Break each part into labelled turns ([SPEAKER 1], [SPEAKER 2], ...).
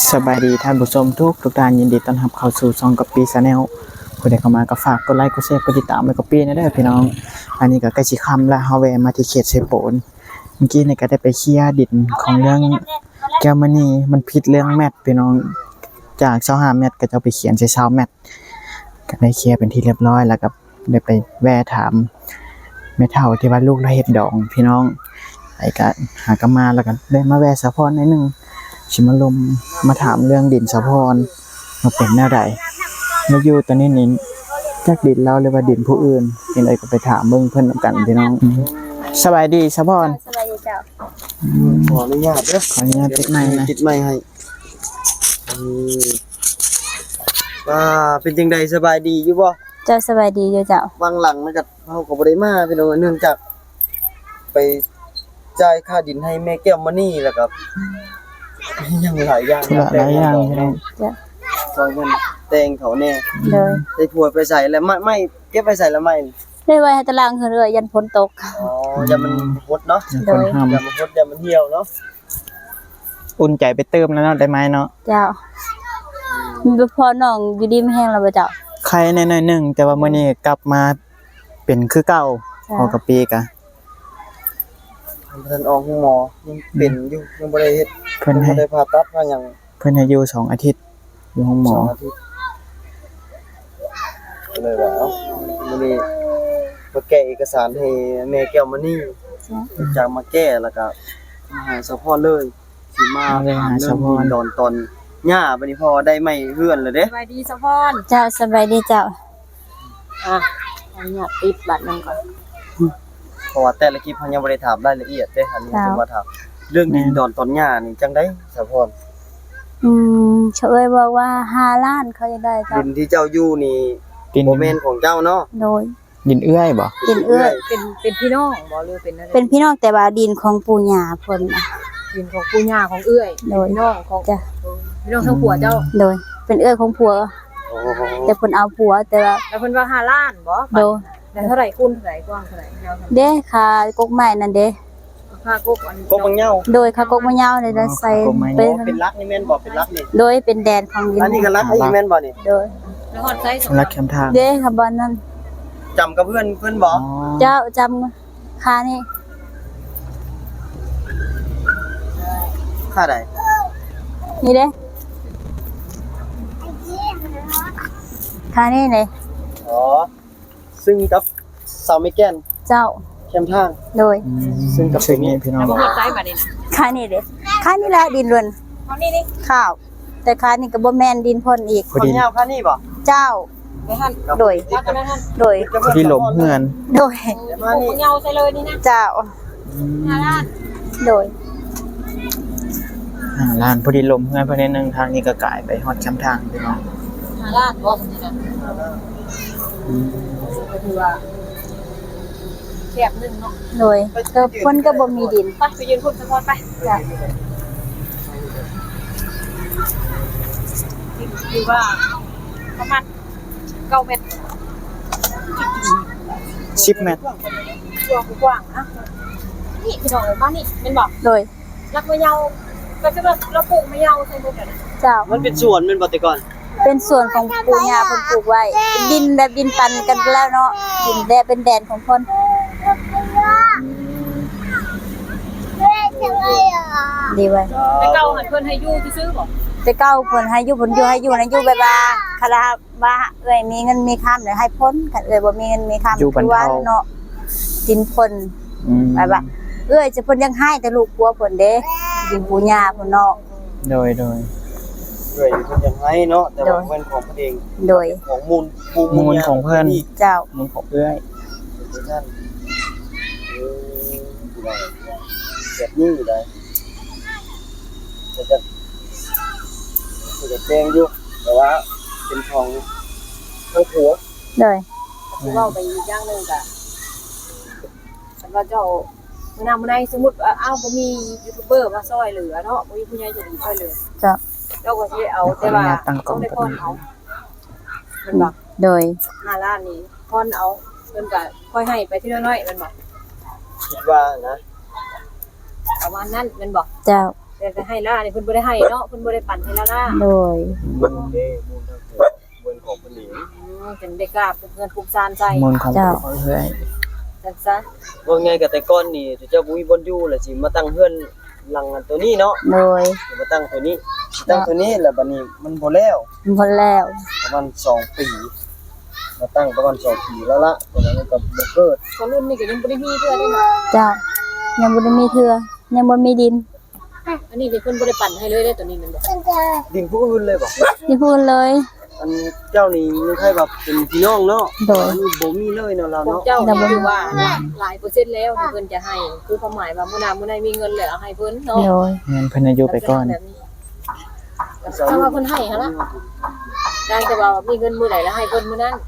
[SPEAKER 1] สบายดีท่านผู้ชมทุกท่านยินดีต้อนรับเข้าสู่ช่องกัปปี้ชาแนลผู้ใดเข้ามาก็ฝากกดไลค์กดแชร์กดติดตามไว้กัปปี้นะเด้อพี่น้องอันนี้ก็ใกล้สิค่ำแล้วเฮาแวะมาที่เขตเซโปนเมื่อกี้นี่ก็ได้ไปเคลียร์ดินของเรื่องแก้วมณีมันผิดเรื่องแมทพี่น้องจาก25แมทก็จะเอาไปเขียนใส่20แมทก็ได้เคลียร์เป็นที่เรียบร้อยแล้วก็ได้ไปแวะถามแม่เฒ่าที่ว่าลูกเราเฮ็ดดองพี่น้องไอ้ก็หากันมาแล้วก็ได้มาแวะสะพรหน่อยนึงสิมาลมมาถามเรื่องดินสะพรมาเป็นแนวใดมาอยู่ตอนนี้นี่จักดินเราหรือว่าดินผู้อื่นเป็นอะไรก็ไปถามเบิ่งเพิ่นนำกันพี่น้องสบายดีสะพร
[SPEAKER 2] สบายดีเจ้า
[SPEAKER 3] ขออนุญาตเด้อ
[SPEAKER 1] ขออนุญาตติดไมค์นะ
[SPEAKER 3] ติดไมค์ให้ว่าเป็นจังได๋สบายดีอยู่บ่
[SPEAKER 2] เจ้าสบายดีอยู่เจ้า
[SPEAKER 3] บางหลังมันก็เฮาก็บ่ได้มาพี่น้องเนื่องจากไปจ่ายค่าดินให้แม่แก้วมณีแล้วก็ยังหลายอย่าง
[SPEAKER 1] ธุระหลายอย่างพี่น้อง
[SPEAKER 2] เจ้า
[SPEAKER 3] ซอยเงินแต่งเขาแน่
[SPEAKER 2] เลย
[SPEAKER 3] ได้ผัวไปใส่แล้วไม่เก็บไปใส่แล้วไม่
[SPEAKER 2] เลยไว้ให้ตารางคือเรือยันฝนตก
[SPEAKER 3] อ๋ออย่ามันหดเนาะ
[SPEAKER 1] อย่าคนห้าม
[SPEAKER 3] อย่ามันหดอย่ามันเหี่ยวเนาะ
[SPEAKER 1] อุ่นใจไปเติมแล้วเนาะได้ไหมเนาะ
[SPEAKER 2] เจ้ามีพอน้องอยู่ดีไม่แห้งแล้วบ่เจ้า
[SPEAKER 1] ใครแน่ๆหนึงแต่ว่ามื้อนี้กลับมาเป็นคือเก่าพอกับปีกะ
[SPEAKER 3] ท่านออกหมอยังเป็นอยู่ยังบ่ได้เฮ็ด
[SPEAKER 1] เพิ่น
[SPEAKER 3] ยัง
[SPEAKER 1] ให้
[SPEAKER 3] บ่ได้ผ่าตัดว่าหยัง
[SPEAKER 1] เพิ่นให้อยู่2อาทิตย์อยู่ห้องหมอ
[SPEAKER 3] 2 อาทิตย์ก็เลยว่าเอ้ามื้อนี้มาแก้เอกสารให้แม่แก้วมณี
[SPEAKER 2] เจ้า
[SPEAKER 3] จากมาแก้แล้วก็มาหาสะพอเลยสิมาถามเรื่องดินดอนตอนหญ้าบัดนี้พอได้ไม้เฮือนแล้วเด้
[SPEAKER 4] สบายดีสะพร
[SPEAKER 2] เจ้าสบายดีเจ้า
[SPEAKER 4] อ่ะอันนี้ติดบัตรนึงก่อน
[SPEAKER 3] เพราะว่าแต่ละคลิปเฮายังบ่ได้ถามรายละเอียดเด้อันนี้จะมาถามเรื่องดินดอนตอนหญ้านี่จังได๋สะพร
[SPEAKER 2] เฉยบอกว่า5ล้านเขาจะได้เจ้า
[SPEAKER 3] ดินที่เจ้าอยู่นี่
[SPEAKER 1] ดิน
[SPEAKER 3] บ่แม่นของเจ้าเนาะ
[SPEAKER 2] โดย
[SPEAKER 1] ดินเอื้อยบ่
[SPEAKER 2] ดินเอื้อย
[SPEAKER 4] เป็นพี่น้องบ่หรือเป็นอะไร
[SPEAKER 2] เป็นพี่น้องแต่ว่าดินของปู่ย่าเพิ่นน่ะ
[SPEAKER 4] ดินของปู่ย่าของเอื้อย
[SPEAKER 2] โดย
[SPEAKER 4] พี่น้องของ
[SPEAKER 2] จ้ะ
[SPEAKER 4] พี่น้องทั้งผัวเจ้า
[SPEAKER 2] โดยเป็นเอื้อยของผัว
[SPEAKER 3] โอ้
[SPEAKER 2] แต่เพิ่นเอาผัวแต่ว่า
[SPEAKER 4] แล้วเพิ่นว่า5ล้านบ่
[SPEAKER 2] โดย
[SPEAKER 4] แล้วเท่าไหร่คูณเท่าไหร่กว้างเท่าไหร่ยาวเท่าไหร่
[SPEAKER 2] เด้ค่ากกไม้นั่นเด้
[SPEAKER 4] ค่ากุ๊กอัน
[SPEAKER 3] กบางเหย้า
[SPEAKER 2] โดยค่ากกมะยาวเลยใส่เป็
[SPEAKER 3] อ๋อเป็นรักนี่แม่นบ่เป็นรักนี่
[SPEAKER 2] โดยเป็นแดนของดิน
[SPEAKER 3] อันนี้ก็รักอีแม่นบ่นี่
[SPEAKER 2] โดย
[SPEAKER 4] แล้วฮอดไซส์
[SPEAKER 1] รักแคมทาง
[SPEAKER 2] เด้ค่ะบอนนั่น
[SPEAKER 3] จำกับเพื่อนบ่
[SPEAKER 1] อ๋อ
[SPEAKER 2] เจ้าจำค่านี่
[SPEAKER 3] ค่าใด
[SPEAKER 2] นี่เด้ค่านี่เลย
[SPEAKER 3] อ๋อซึ่งกับเสาไม้แก่น
[SPEAKER 2] เจ้า
[SPEAKER 3] แคมทาง
[SPEAKER 2] โดย
[SPEAKER 3] ซึ่งกับ
[SPEAKER 1] ซึ่งนี่พี่น้อง
[SPEAKER 4] แล้วบ่ฮอดไซส์บัดนี้นะ
[SPEAKER 2] ค่านี่เด้ค่านี่แหละดินล้วน
[SPEAKER 4] เอานี่
[SPEAKER 2] ข้าว แต่ค่านี่ก็บ่แม่นดินพ่นอีก
[SPEAKER 3] คนเหย้าค่านี่บ่
[SPEAKER 2] เจ้า
[SPEAKER 4] ไปหั่น
[SPEAKER 2] โดย
[SPEAKER 4] รักกันหั่น
[SPEAKER 2] โดย
[SPEAKER 1] ที่หลมเฮือน
[SPEAKER 2] โดย
[SPEAKER 4] มานี่เงาใส่เลยนี่นะ
[SPEAKER 2] เจ้า
[SPEAKER 4] 5ล้าน
[SPEAKER 2] โดย
[SPEAKER 1] ร้านพอดีหลมเฮือนเพิ่นนิดนึงทางนี้ก็กลายไปฮอดแคมทางพี่น้อง
[SPEAKER 4] 5ล้านบ่นี่นะก็คือว่าแคบนึงเนาะ
[SPEAKER 2] โดยก็เพิ่นก็บ่มีดิน
[SPEAKER 4] ไปยืนพุ่นสะพรไป
[SPEAKER 2] จ้ะ
[SPEAKER 4] คือว่าประมาณ9เมตร
[SPEAKER 1] 10เมตร
[SPEAKER 4] กว้างๆนะนี่พี่น้องเอ้ยบ้านนี่เป็นบอก
[SPEAKER 2] โดย
[SPEAKER 4] รักมะเยาก็จะแบบเราปลูกมะเยาใส่พวกนั้น
[SPEAKER 2] เจ้า
[SPEAKER 3] มันเป็นสวนแม่นบ่แต่ก่อน
[SPEAKER 2] เป็นส่วนของปู่ย่าเพิ่นปลูกไว้เป็นดินแบบดินปันกันไปแล้วเนาะดินแดนเป็นแดนของเพิ่นดีไว้
[SPEAKER 4] แต่เก่าหันเพิ่นให้อยู่ซื่อๆบ่
[SPEAKER 2] แต่เก้าเพิ่นให้อยู่เพิ่นอยู่ให้อยู่นะอยู่แบบว่าคาราว่าเอ้ยมีเงินมีค้ำเดี๋ยวให้พ้นคันเอ้ยบ่มีเงินมีค้ำ
[SPEAKER 1] อยู่บรรเทา
[SPEAKER 2] เนาะดินเพิ่น แบบว่าเอ้ยจะเพิ่นยังให้แต่ลูกกลัวเพิ่นเด้ดินปู่ย่าเพิ่นเนาะ
[SPEAKER 1] โดย
[SPEAKER 3] ด้วยเพิ่นยังให้เนาะแต่ว่าเป็นของเพิ่นเอง
[SPEAKER 2] โดย
[SPEAKER 3] ของมูลภู
[SPEAKER 1] มูลของเพิ่น
[SPEAKER 2] เจ้า
[SPEAKER 1] มูลของเอื้อย
[SPEAKER 3] นั่นแบบนี้อยู่ได้จะแจ้งอยู่แต่ว่าเป็นของทั้งผัว
[SPEAKER 2] โดย
[SPEAKER 4] สิเว้าไปอีกอย่างหนึงก็สำหรับเจ้ามื้อหน้ามื้อใดสมมุติว่าอ้าวบ่มียูทูบเบอร์มาช่วยเหลือเนาะบ่มีผู้ใหญ่ใจดีช่วยเหลือ
[SPEAKER 2] เจ้า
[SPEAKER 4] เจ้าก็สิเอาแต่ว่าต้องได้พรเอาแมันบอก
[SPEAKER 2] โดย
[SPEAKER 4] 5ล้านนี่พรเอาเพิ่นก็ค่อยให้ไปทีละน้อยแมันบอก
[SPEAKER 3] คิดว่านะ
[SPEAKER 4] ประมาณนั้นแมันบอก
[SPEAKER 2] เจ้า
[SPEAKER 4] แต่ก็ให้ล่านี่เพิ่นบ่ได้ให้เนาะเพิ่นบ่ได้ปั่นให้ล่า
[SPEAKER 2] โดย
[SPEAKER 3] มันเด้มูลทั้งหมดเบิ่นของเพิ่นนี่
[SPEAKER 4] จนได้กราบเงินภูมิซานใส่
[SPEAKER 1] มูลของเพื่อน
[SPEAKER 4] จังซะ
[SPEAKER 3] ว่าไงก็แต่ก่อนนี่เจ้าบ่มีบ่อนอยู่แล้วสิมาตั้งเฮือนหลังอันตัวนี้เนาะ
[SPEAKER 2] โดย
[SPEAKER 3] มาตั้งตัวนี้ตั้งตัวนี้แล้วบัดนี้มันบ่แล้ว
[SPEAKER 2] พอแล้ว
[SPEAKER 3] ประมาณ2 ปีมาตั้งประมาณ2 ปีแล้วละตอนนั้นก็บ่เกิด
[SPEAKER 4] คนรุ่นนี้ก็ยังบ่ได้มีเทื่อได้เนาะ
[SPEAKER 2] เจ้ายังบ่ได้มีเทื่อยังบ่มีดิน
[SPEAKER 4] อันนี้นี่เพิ่นบ่ได้ปั่นให้เลยเด้ตัวนี้แม่นบ่
[SPEAKER 3] ดินผู้อื่นเลยบ่
[SPEAKER 2] ที่พูดเลย
[SPEAKER 3] อันเจ้านี่มีใครแบบเป็นพี่น้องเนาะ
[SPEAKER 2] โดย
[SPEAKER 3] อันนี้บ่มีเลยเนาะเรา
[SPEAKER 4] ของ
[SPEAKER 3] เนาะ
[SPEAKER 4] เจ้านี่คือว่าหลายเปอร์เซ็นต์แล้วที่เพิ่นจะให้คือความหมายว่ามื้อหน้ามื้อใดมีเงินเหลือเอาให้เพิ่นเนาะ
[SPEAKER 2] โดย
[SPEAKER 1] เงินเพิ่นอายุไปก่อน
[SPEAKER 4] ถ้าว่าเพิ่นให้หั่นล่ะได้แต่ว่ามีเงินมื้อใดแล้วให้เพิ่นมื้อนั้น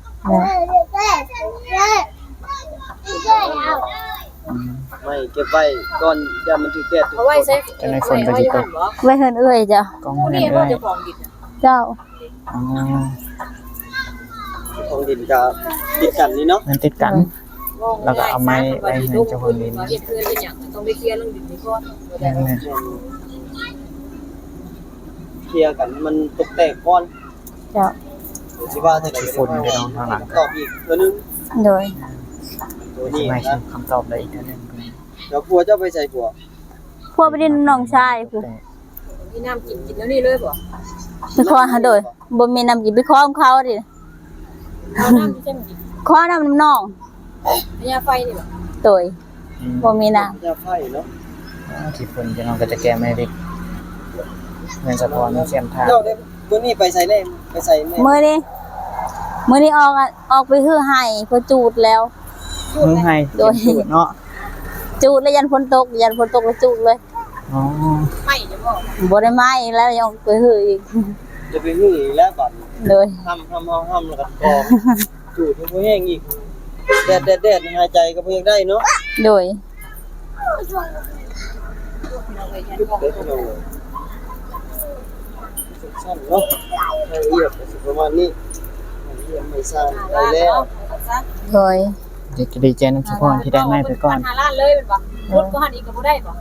[SPEAKER 3] ไม่เก็บไว้ก่อนอย่ามันถูกแดดถูก
[SPEAKER 4] เอาไว้ใส่ไว้อยู่หั่นบ่
[SPEAKER 2] ไว้เฮือนเอ้ยจ้ะ
[SPEAKER 1] กอง
[SPEAKER 4] ผู้
[SPEAKER 1] เงิน
[SPEAKER 4] นี้
[SPEAKER 1] เอ้
[SPEAKER 4] ว่าย เจ้าของดินน่ะ
[SPEAKER 2] เจ้า
[SPEAKER 1] อ๋อ
[SPEAKER 3] ของดินกับติดกันนี่เนาะ
[SPEAKER 1] มันติดกัน แล้วก็เอาไม้ไว้ให้เจ้าของดิน
[SPEAKER 4] มาเฮ็ดเพื่อนเป็นหยังต้องไปเคลียร์เรื่องดินนี่ก่อนบ่ได้
[SPEAKER 1] นั่นแหละ
[SPEAKER 3] เคลียร์กันมันตกแตกก่อน
[SPEAKER 2] เจ้า
[SPEAKER 3] สิว่าเท่าใดก็ได้ตอบอีกตัวนึง
[SPEAKER 2] โดย
[SPEAKER 3] ตัวนี้
[SPEAKER 1] ไม่ใช่
[SPEAKER 3] นะ
[SPEAKER 1] คำตอบเลยอีกเท่านึง
[SPEAKER 3] แล้วผัวเจ้าไปใส่ผัว
[SPEAKER 2] พวกไปดินน้องชายผู้
[SPEAKER 4] มีน้ำกินแล้วนี่เลยบ่
[SPEAKER 2] ไปขอหาโดยบ่มีน้ำกินไปขอของเขาดิ
[SPEAKER 4] เอาน้ำที่เส้นกิน
[SPEAKER 2] ขอน้ำน้อง
[SPEAKER 4] พญาไฟนี่บ่
[SPEAKER 2] โดยบ่มีน้
[SPEAKER 3] ยาไฟเนาะ
[SPEAKER 1] ที่เพิ่นจะน้องก็จะแก้ไม่ได้เงินสะพอนเสียมทาง
[SPEAKER 3] เจ้าได้ตัวนี้ไปใส่แน่ไปใส่แน่
[SPEAKER 2] ำมื้อนี้ออกไปฮื้อให้เพิ่นจูดแล้ว
[SPEAKER 1] มึงให้โดยเนาะ
[SPEAKER 2] จูดแล้วยันฝนตกแล้วจูดเลย
[SPEAKER 1] อ๋อ
[SPEAKER 4] ไม่จะบ่
[SPEAKER 2] บ่ได้ไม้แล้วยังไปฮื้ออีก
[SPEAKER 3] จะไปหื้ออีกแล้วบัด
[SPEAKER 2] โดย
[SPEAKER 3] ห้ำแล้วก็กองจูดบ่แห้งอีกแดดหายใจก็บ่อยากได้เนาะ
[SPEAKER 2] โดย
[SPEAKER 3] สั้นเนาะละเอียดประมาณนี้ละเอียดไม่สั้นได้แล้ว
[SPEAKER 2] โดย
[SPEAKER 1] เดี๋ยวจะดีใจน้ำสะพอนที่ได้ไม้ไปก่อน
[SPEAKER 4] หาล้านเลยเป็นบ่รถก็หันอีกก็บ่ได้บ่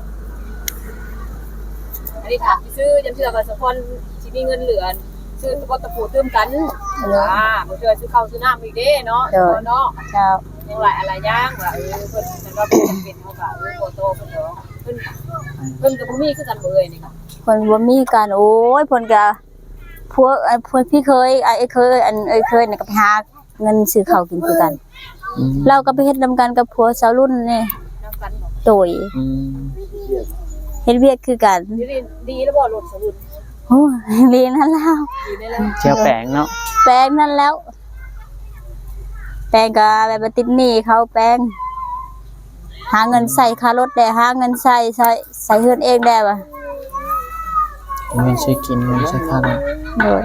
[SPEAKER 4] อันนี้ถามซื้อจำเชื่อว่าสะพอนสิมีเงินเหลือซื้อตะตะปูตื้มกันบ่เชื่อซื้อข้าวซื้อน้ำอีกเด้เนาะเนาะ
[SPEAKER 2] เจ้า
[SPEAKER 4] ยังหลายอะไรย่างว่าเพิ่นแต่ก็เป็นเป็นเฮาก็บ่โตเพิ่นเนาะเพิ่นก็บ่มีคือกันบ่เอ่ยนี่ก็
[SPEAKER 2] เพิ่นบ่มีกันโอ้ยเพิ่นก็พวกพี่เคยไอ้เคยอันเอ้ยเคยนี่ก็ไปหาเงินซื้อข้าวกินคือกัน เราก็ไปเฮ็ดนำกันกับผัวสาวรุ่นนี่
[SPEAKER 4] นำกันบ่
[SPEAKER 2] โตยเฮ็ดเวียกคือกัน
[SPEAKER 4] ดีแล้วบ่รถสมุน
[SPEAKER 2] โอ้ยลีนั่นแล้ว
[SPEAKER 4] ดีได้แล้ว
[SPEAKER 1] เชียวแปลงเนาะ
[SPEAKER 2] แปลงนั่นแล้ว แปลงก็แบบว่าติดหนี้เขาแปลง หาเงินใส่ค่ารถได้หาเงินใส่เฮือนเองได้ว่ะ
[SPEAKER 1] เงินใช้กินเงินใช้ค่า
[SPEAKER 2] โดย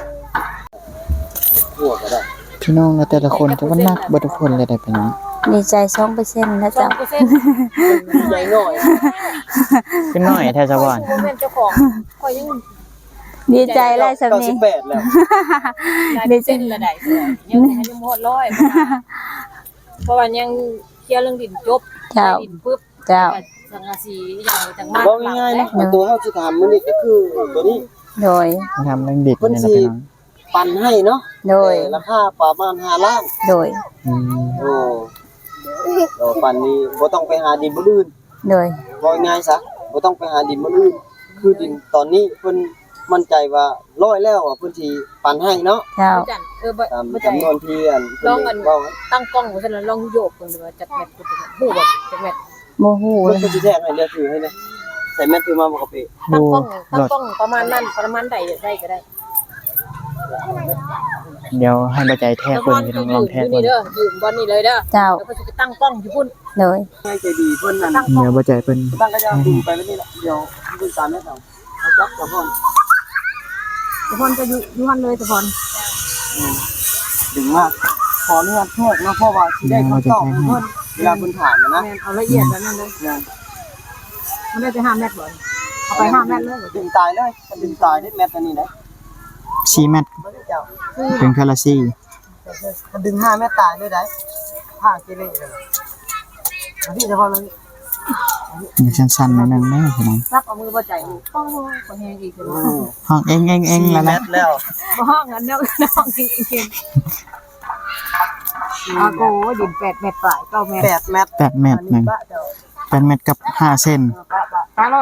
[SPEAKER 3] หัวก็ได้
[SPEAKER 1] พี่น้องแล้วแต่ละคนจะว่านักบ่ทุกคนเลยได้ไปเนาะ
[SPEAKER 2] ดีใจ 2%นะจ๊ะ
[SPEAKER 3] ใหญ่หน่อย
[SPEAKER 1] ขึ้นหน่อยแท้สะพอน
[SPEAKER 4] โมเมนต์เจ้าของก็ยัง
[SPEAKER 2] ดีใจไล่สำนี้
[SPEAKER 3] 98แล้ว
[SPEAKER 4] ได้เส้นละได้เสือยังหมดร้อยเพราะว่ายังเคลียร์เรื่องดินจบ
[SPEAKER 2] เจ้า
[SPEAKER 4] ดินปุ๊บ
[SPEAKER 2] เจ้า
[SPEAKER 4] สังกะสีอย่างจังมาก
[SPEAKER 3] บอกง่ายๆเนาะตัวเฮาสิถามมื้อนี้ก็คือตัวนี้
[SPEAKER 2] โดย
[SPEAKER 1] ทำเรื่องดิบเนี่ยนะพี่น้อง
[SPEAKER 3] ปั่นให้เนาะ
[SPEAKER 2] โดย
[SPEAKER 3] ราคาประมาณ5ล้าน
[SPEAKER 2] โดย
[SPEAKER 3] โอ้ดอกปั่นนี้บ่ต้องไปหาดินบ่อื่น
[SPEAKER 2] โดย
[SPEAKER 3] บอกง่ายซะบ่ต้องไปหาดินบ่อื่นคือดินตอนนี้เพิ่นมั่นใจว่าร้อยแล้วอ่ะเพิ่นสิปั่นให้เนาะ
[SPEAKER 2] เจ้า
[SPEAKER 4] จันบ่
[SPEAKER 3] ตาม
[SPEAKER 4] บ่ใจ
[SPEAKER 3] จำนวนที่อันเพิ่นเว้า
[SPEAKER 4] ตั้งกล้องไว้ซั่นลองโยกเพิ่นว่าจักแมทกูฮู้บ่จักแมท
[SPEAKER 2] โมโห
[SPEAKER 3] เพิ่น
[SPEAKER 2] เลย
[SPEAKER 3] ก็สิแทรกให้เลือกถือให้นะใส่แมสถือมาบ่กะปิ
[SPEAKER 4] ตั้ง
[SPEAKER 1] ดู
[SPEAKER 4] กล้องตั้
[SPEAKER 1] รง ถ
[SPEAKER 4] กล้องประมาณนั้นประมาณใดได้ก็ได้
[SPEAKER 1] เดี๋ยวให้บ่ใจแท้เพิ่นพี่น้องลองแท้
[SPEAKER 4] นี่
[SPEAKER 1] เพิ่น
[SPEAKER 4] เด้อยืมบ่นี่เลยเด้อ
[SPEAKER 2] เจ้า
[SPEAKER 4] แล้วก็สิไปตั้งกล้องอยู่พุ่น
[SPEAKER 2] โดย
[SPEAKER 3] ให้ใจดีเพิ่นนั่น
[SPEAKER 4] ตั้งกล้อง
[SPEAKER 1] เดี๋ยวบ่ใจเพิ่น
[SPEAKER 3] ตั้งก็จะดึงไปแล้วนี่แหละเดี๋ยวเพิ่นตามแม่เอาเอาจับกับพ่อน
[SPEAKER 4] ตะพรจะอยู่หั่นเลยตะพร
[SPEAKER 3] ดึงมากขออนุญาตโทษนะเพราะว่าสิได้คำตอบของเพิ่นเวลาเพิ่นถามนะ
[SPEAKER 4] แม่นเอาละเอียดแล้วนั่นเลยมันได้ไป5เมตรบ่เอาไป5เมตรเลย
[SPEAKER 3] ดึงตายเลยมันดึงตายได้แมสอันนี้ได้
[SPEAKER 1] 4 เมตร
[SPEAKER 3] บ่ได้เจ้า
[SPEAKER 1] ถึงคาราซี
[SPEAKER 3] มันดึง5เมตรตายเลยได้ผ้าเกเรเลยอันนี้เฉพาะนั้น
[SPEAKER 1] อยู่ชั้นๆนิดนึงนะพี่น้อง
[SPEAKER 4] รับเอามือบ่ใจอีกโอ้ยคนแฮงอีกคือ
[SPEAKER 1] ห้องเองแล้ว
[SPEAKER 3] แม
[SPEAKER 1] นะ
[SPEAKER 3] ตแล้ว
[SPEAKER 4] บ่ห้องอันเนาะน้องจริงๆอาโกดิน8เมตรฝ่าย9เมตร
[SPEAKER 3] 8 เมตร
[SPEAKER 1] 8 เมตรหนึง8 เมตรกับ5เซน
[SPEAKER 4] ปลารถ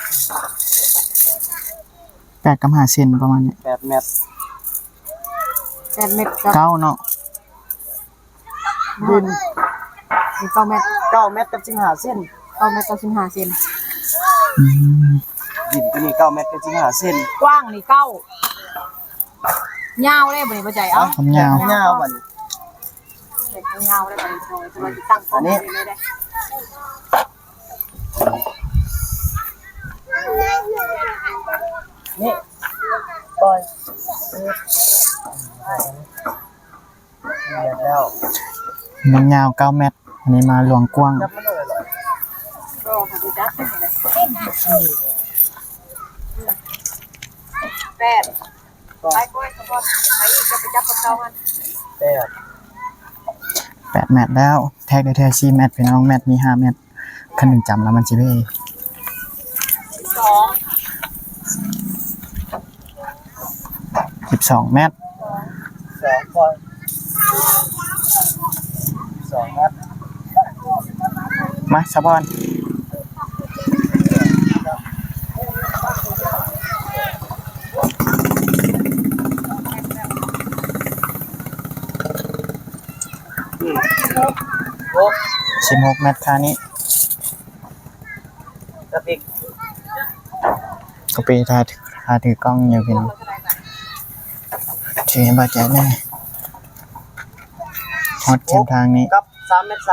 [SPEAKER 1] 8กับ5เซนประมาณนี้
[SPEAKER 3] 8 เมตร
[SPEAKER 4] 8เมตรกับ
[SPEAKER 1] เก้าเนาะ
[SPEAKER 4] ดิน9เมตร
[SPEAKER 3] 9 เมตรกับ15เส้น
[SPEAKER 4] 9เมตรกับ15เซน
[SPEAKER 1] อืม
[SPEAKER 3] ดินตัวนี้9 เมตรกับ15เส้น
[SPEAKER 4] กว้างนี่9ยาวได้บ่นี่บ่ใจเอ้า
[SPEAKER 1] ความยาว
[SPEAKER 3] ยาวบัดนี้
[SPEAKER 4] เด็กยาวได้บ่นี่จะมาตั้งกล้องได้ได้
[SPEAKER 3] นี่ปล่อยแล้ว
[SPEAKER 1] มันยาว9 เมตรอันนี้มาหลวงกว้าง
[SPEAKER 3] จับมันเลยเหรอ
[SPEAKER 4] ก็ขอดูจักให้ได้8ไปก้อยสะพอนไปอีกจะไปจับกับเขามัน
[SPEAKER 1] 8 เมตรแล้วแท็กได้แท้4 เมตรพี่น้องเมตรมี5 เมตรคันหนึงจำแล้วมันสิเบ้ 12 เมตร
[SPEAKER 3] 2ปล่อย2 เมตร
[SPEAKER 1] มาสะพอน
[SPEAKER 3] โอ้
[SPEAKER 1] 16 เมตรค่านี้
[SPEAKER 3] กระติก
[SPEAKER 1] ก็ไปถ่ายถือกล้องอยู่พี่น้องถือให้บาดใจแน่ฮอตเข็มทางนี้
[SPEAKER 3] กับ3 เมตร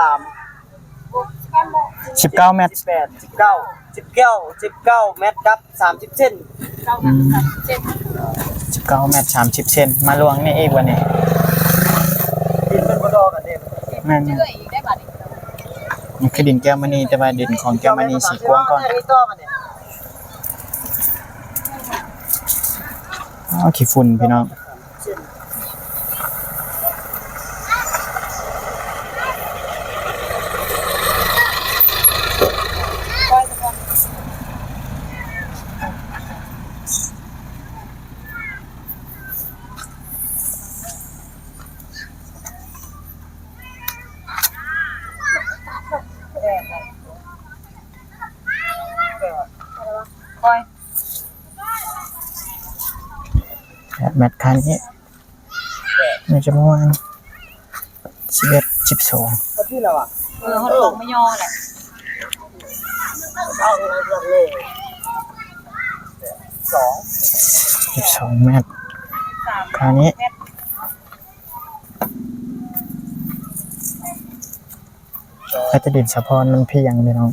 [SPEAKER 1] 19 เมตร
[SPEAKER 3] 18 19 เมตรกับ30เส้น
[SPEAKER 1] อืม19 เมตร 30 เซนมาลวงนี่อีกวันนี้
[SPEAKER 3] ดินเป็นบ่ดอกันเด้
[SPEAKER 1] แม่น
[SPEAKER 4] เชื่ออีกได้บัดนี้
[SPEAKER 1] นี่คือดินแก้วมณีแต่ว่าดินของแก้วมณีสีกว้างก่อน
[SPEAKER 3] นี่ต่อกันเนี่ย
[SPEAKER 1] เอาขี้ฝุ่นพี่น้องแบบแมตคันนี้ในจำนวน11 12
[SPEAKER 3] ก็ที่แล้วอ่ะ
[SPEAKER 4] ฮอตของไม่ย่อแหละ
[SPEAKER 3] เอาเลย
[SPEAKER 1] 12 เมตรคันนี้ก็จะดินสะพอนมันเพียงพี่น้อง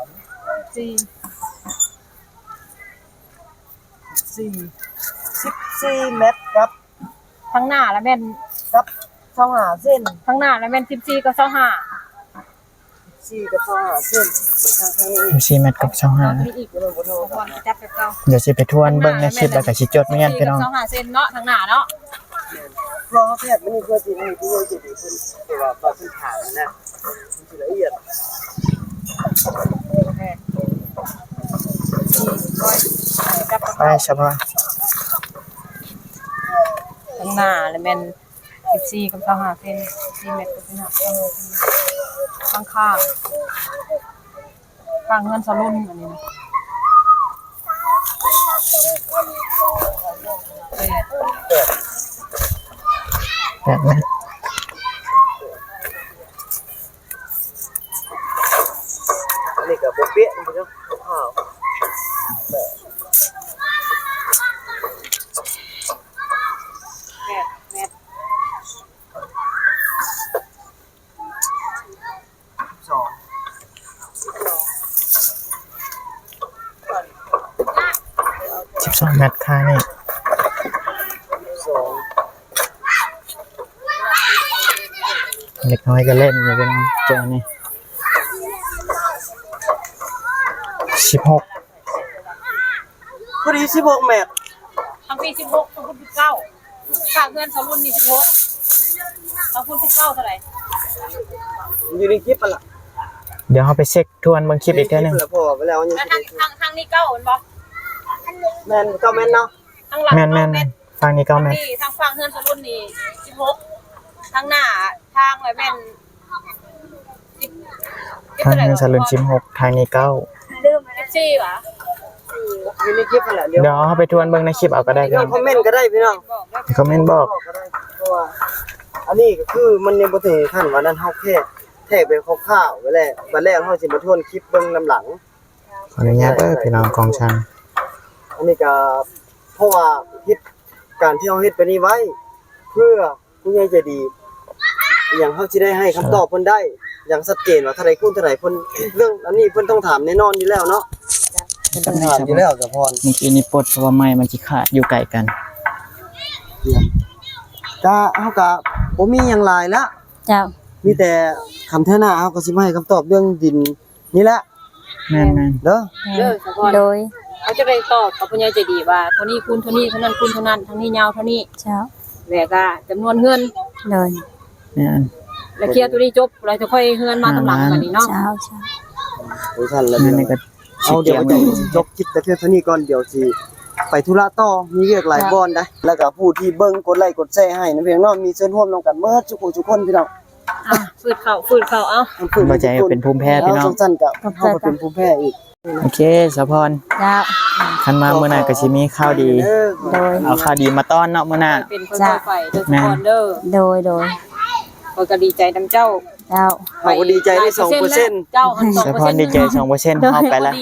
[SPEAKER 3] 14 เมตรครับ
[SPEAKER 4] ทั้งหน้าแล้วแม่น
[SPEAKER 3] กับ25เส้น
[SPEAKER 4] ทั้งหน้าแล้วแม่น14กับ25
[SPEAKER 3] 4กับ25เส้นข้างๆนี้
[SPEAKER 1] 4 เมตรกับ
[SPEAKER 4] มีอีกบ่โทรก่อนจับแบบเก่า
[SPEAKER 1] 25เดี๋ยวสิไปทวนเบิ่งในคลิปแล้วก็สิจดไม่งั้นพี่น้อง
[SPEAKER 4] 25เซนเนาะทั้งหน้าเนาะ
[SPEAKER 3] รอแพทย์มันนี่เพื่อสิให้ผู้ใหญ่จะดีเพิ่นแต่ว่าตอนที่ถามนะมันสิละเอียด
[SPEAKER 4] จับ
[SPEAKER 1] ไปสะพอน
[SPEAKER 4] ทั้งหน้าแล้วแม่น14กับ25เซน4เมตรกับ25ข้างๆข้างเงินสลุ่นอันนี้นะ
[SPEAKER 1] 8 เมตร
[SPEAKER 3] นี่ก็บ่เปี้ยมันก็ข้าว
[SPEAKER 1] 12 เมตรค่านี่เล็กน้อยก็เล่นอยู่พี่น้องเจอนี่16
[SPEAKER 3] พอดี16 เมตร
[SPEAKER 4] ทั้งปี16ทั้งคุณ19ข้างเงินสลุ่นนี่16ทั้งคุณ19เท่าไหร่
[SPEAKER 3] อยู่ในคลิปปะล่ะ
[SPEAKER 1] เดี๋ยวเฮาไปเช็คทวนเบิ่งคลิปอีกเทื่อนึง
[SPEAKER 3] แล้วพอไปแล้วยัง
[SPEAKER 4] แล้ว
[SPEAKER 3] สิ
[SPEAKER 4] ทางนี้เก้าเห็นบ่
[SPEAKER 3] แม่นก็แม่นเนาะ
[SPEAKER 4] ทางหลัง
[SPEAKER 1] แม่นๆฟังนี่ก็แม่น
[SPEAKER 4] ทางฝั่งเฮือนสรุ่นนี่16ทางหน้าทางไว้แม่น
[SPEAKER 1] ทางเงินสลึง16ทางนี้9
[SPEAKER 4] ลืม14ว่ะ
[SPEAKER 3] อยู่ในคลิปนั่นแหละเดี๋ยว
[SPEAKER 1] เดี๋ยวเฮาไปทวนเบิ่งในคลิปเอาก็ได้พี่
[SPEAKER 3] ล
[SPEAKER 1] น้
[SPEAKER 3] อ
[SPEAKER 1] อง ง
[SPEAKER 3] คอมเมนต์ก็ได้พี่น้อง
[SPEAKER 1] คอมเมนต์บอก
[SPEAKER 3] ก็ได้เพราะว่าอันนี้ก็คือมันยังบ่ถึงขั้นว่านั้นเฮาแค่แทกเป็นคร่าวๆไว้แล้วบัดแรกเฮาสิมาทวนคลิปเบิ่งนำหลัง
[SPEAKER 1] ขออนุญาตเด้อพี่น้องกองชัน
[SPEAKER 3] อันนี้ก็เพราะว่าเฮ็ดการที่เฮาเฮ็ดไปนี้ไว้ เพื่อผู้ใหญ่ใจดีอหย่างเฮาสิได้ให้คำตอบเพิ่นได้อย่างชัดเจนว่าเท่าใดคูณเท่าใดเพิ่นเรื่องอันนี้เพิ่นต้องถามแน่นอนอยู่แล้วเนาะต้องถามอยู่แล้วสะพร
[SPEAKER 1] เมื่อกี้นี่ปลดเพราะว่าไม้มันสิขาดอยู่ไกลกัน
[SPEAKER 3] ก็เฮาก็บ่มีหยังหลายละ
[SPEAKER 2] เจ้า
[SPEAKER 3] มีแต่คำเท่าหน้าเฮาก็สิมาให้คำตอบเรื่องดินนี่แหละ
[SPEAKER 1] แม่น
[SPEAKER 3] เด้อ
[SPEAKER 4] เด้อสะพร
[SPEAKER 2] โดย
[SPEAKER 4] เขาจะได้ตอบกับผู้ใหญ่ใจดีว่าเท่านี้คูณเท่านี้เท่านั้นคูณเท่านั้นเท่านี้ยาวเท่านี้
[SPEAKER 2] เจ้า
[SPEAKER 4] แล้วก็จำนวนเงิน
[SPEAKER 2] โดย
[SPEAKER 1] ๆแม่น
[SPEAKER 4] แล้วเคลียร์ตัวนี้จบเราจะค่อยเฮือนมาตำหลังกันนี่เนาะ
[SPEAKER 2] เจ้าเจ้า
[SPEAKER 3] โอ้ท่านแล้ว
[SPEAKER 1] แม่
[SPEAKER 3] พี่
[SPEAKER 1] น
[SPEAKER 3] น้อง
[SPEAKER 1] นี่ก็สิ
[SPEAKER 3] เอาเดี๋
[SPEAKER 1] เกี่
[SPEAKER 3] ย
[SPEAKER 1] ยว ว
[SPEAKER 3] จะจบคลิปแต่เพียงเท่านี้ก่อนเดี๋ยวสิไปธุระต่อมีเรียกหลายบอนได้แล้วก็ผู้ที่เบิ่งกดไลค์กดแชร์ให้นะพี่น้องมีส่วนร่วมนำกันเมื่อทุกคนพี่น้อง
[SPEAKER 4] อ่ะฟืดเข่าเอา
[SPEAKER 1] บ่ใจเป็นภูมิแพ้พี่น้อง
[SPEAKER 3] สั้นๆก็เฮาก็เป็นภูมิแพ้อีก
[SPEAKER 1] โอเคสะพร
[SPEAKER 2] เจ้า
[SPEAKER 1] คันมามื้อหน้าก็สิมีข่าวดี
[SPEAKER 2] โดย
[SPEAKER 1] เอาข่าวดีมาต้อนเนาะมื้อหน้า
[SPEAKER 4] เป็นคนต่อไปเด้อสะพรเด้อ
[SPEAKER 2] โดย โดย
[SPEAKER 4] ข้อยก็ดีใจนำเจ้า
[SPEAKER 2] เจ้า
[SPEAKER 3] เราก็ดีใจได้ 2%
[SPEAKER 4] เจ้าหัน
[SPEAKER 1] สะพรดีใจ 2%เฮาไปละ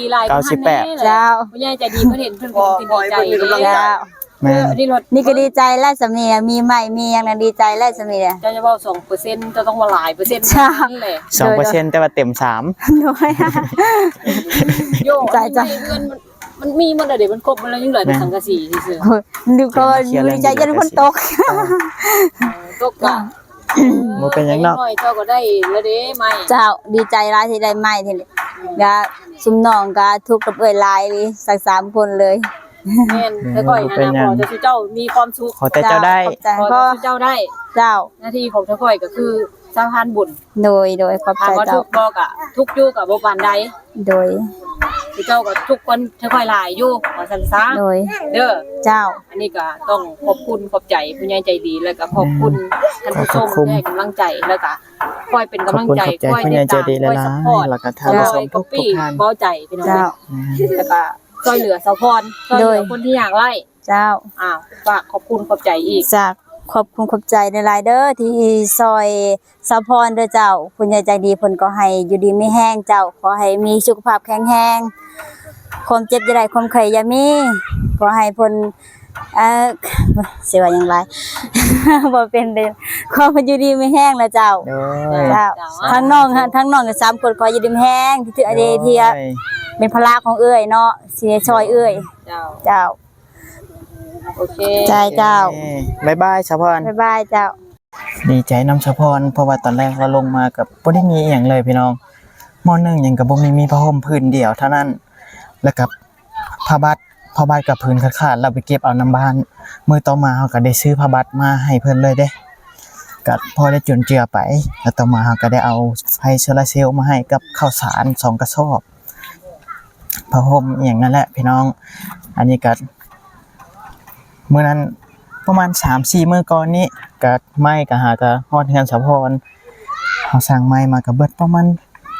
[SPEAKER 1] 98
[SPEAKER 2] เจ้า
[SPEAKER 4] ผู้ใหญ่ใจดีเพิ่นเห็นเพิ่นก็ดีใจ
[SPEAKER 2] เจ้า
[SPEAKER 1] แม่น
[SPEAKER 4] อันนี้รถ
[SPEAKER 2] นี่ก็ดีใจแล้วสามีอะมีใหม่มีอย่างนั้นดีใจแล้วสามีอะ
[SPEAKER 4] เจ้าจะเว้า2%จะต้องว่าหลายเปอร์เซ็นต์
[SPEAKER 2] ใช่
[SPEAKER 4] นั่นแหละ
[SPEAKER 1] 2%แต่ว่าเต็ม3
[SPEAKER 2] โดย
[SPEAKER 4] โย
[SPEAKER 2] ใจใจ
[SPEAKER 4] เงินมันมีหมดแล้วเดี๋ยวมันครบมันแล้วยังเหลือแต่สังกะสีซื่อ
[SPEAKER 2] โอ้ยดูก็ดีใจจนคนตก
[SPEAKER 4] ๆตกกะ
[SPEAKER 1] บ่เป็นหยังเนาะ
[SPEAKER 4] น้อยเจ้าก็ได้แล้วเด้ไม่
[SPEAKER 2] เจ้าดีใจร้ายที่ได้ใหม่ทีนี้ก็ซุมน้องก็ทุกข์กับเอ้ยหลายเลยสัก3คนเลย
[SPEAKER 4] แม่นค่อยๆนะพอจะสิเจ้ามีความสุข
[SPEAKER 1] ขอแต่เจ้าได้
[SPEAKER 2] ขอบใจ
[SPEAKER 4] พอ
[SPEAKER 2] พ่อ
[SPEAKER 4] จะสิเจ้าได้
[SPEAKER 2] เจ้า
[SPEAKER 4] หน้าที่ของเจ้าค่อยก็คือสร้างทานบุญ
[SPEAKER 2] โดยขอบ
[SPEAKER 4] ถา
[SPEAKER 2] ใจ
[SPEAKER 4] มว่า
[SPEAKER 2] เจ้า
[SPEAKER 4] ทุกข์บ่ก็ทุกข์อยู่ก็บ่ปานใด
[SPEAKER 2] โดย
[SPEAKER 4] สิเจ้าก็ทุกคนค่อยๆหลายอยู่ว่าซั่นซะ
[SPEAKER 2] โดย
[SPEAKER 4] เด้อ
[SPEAKER 2] เจ้า
[SPEAKER 4] อันนี้ก็ต้องขอบคุณขอบใจผู้ใหญ่ใจดีแล้วก็ขอบคุณท่านผู้ชมที่ให้กำลังใจแล้วก็คอยเป็นกำลังใจ
[SPEAKER 1] ขอบคุณขอบใจผู้ใหญ่ใจดีหลายๆ
[SPEAKER 4] คอย
[SPEAKER 1] แล้วก็ท่านผู้ชมทุกท่าน
[SPEAKER 4] เบาใจพี่น้อง
[SPEAKER 2] เจ้า
[SPEAKER 4] แล้วก็ช่วยเหลือสาวพรช่วยเหลือคนที่อยากไล่
[SPEAKER 2] เจ้า
[SPEAKER 4] ฝากขอบคุณขอบใจอีก
[SPEAKER 2] จากขอบคุณขอบใจในหลายๆเด้อที่ซอยสะพรเด้อเจ้าคุณยายใจดีเพิ่นก็ให้อยู่ดีไม่แห้งเจ้าขอให้มีสุขภาพแข็งแรงความเจ็บอย่าได้ความไข้อย่ามีขอให้เพิ่นสิว่าหยังไร บ่เป็นเด้อขอเพิ่นอยู่ดีไม่แห้งแล้วเจ้า
[SPEAKER 1] โอ้ย
[SPEAKER 2] เจ้าทั้งน้องกัน3คนขออยู่ดีไม่แห้งที่ถืออดีที่เป็นภาระของเอ้ยเนาะสิได้ช่วยเอ้ย
[SPEAKER 4] เจ้า
[SPEAKER 2] เจ้า
[SPEAKER 4] โอเค
[SPEAKER 2] ใจเจ้า
[SPEAKER 1] บ๊ายบายสะพร
[SPEAKER 2] บ๊ายบายเจ้า
[SPEAKER 1] ดีใจนำสะพรเพราะว่าตอนแรกเราลงมากับบ่ได้มีอหย่างเลยพี่น้องมอ1หยังก็บ่มีผ้าห่มพื้นเดียวเท่านั้นแล้วกับผ้าบัดกับพื้นขาดๆเราไปเก็บเอาน้ำบ้านมื้อต่อมาเฮาก็ได้ซื้อผ้าบัดมาให้เพิ่นเลยเด้ก็พอได้จุนเจือไปแล้วต่อมาเฮาก็ได้เอาไฟโซลาร์เซลล์มาให้กับข้าวสาร2กระสอบผ้าห่มอหย่างนั้นแหละพี่น้องอันนี้ก็มื้อนั้นประมาณ 3-4 มื้อก่อนนี้ก็ไม้ก็หาก็ฮอดเฮือนสะพรเฮาสั่งไม้มาก็เบิดประมาณ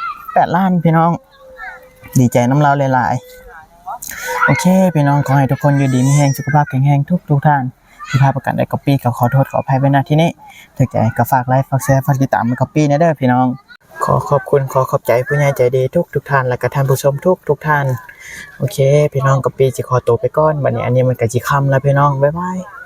[SPEAKER 1] 8ล้านพี่น้องดีใจน้ำเราหลายๆโอเคพี่น้องขอให้ทุกคนอยู่ดีมีแรงสุขภาพแข็งแรงทุกท่านที่พลาดประกันได้ก๊อปปี้ก็ขอโทษขออภัยไว้ณที่นี้ถ้าใจก็ฝากไลค์ฝากแชร์ฝากติดตามก๊อปปี้นะเด้อพี่น้องขอขอบคุณขอขอบใจผู้ใหญ่ใจดีทุกท่านและก็ท่านผู้ชมทุกท่านโอเคพี่น้องก๊อปปี้สิขอตัวไปก่อนบัดนี้อันนี้มันก็สิค่ำแล้วพี่น้องบ๊ายบาย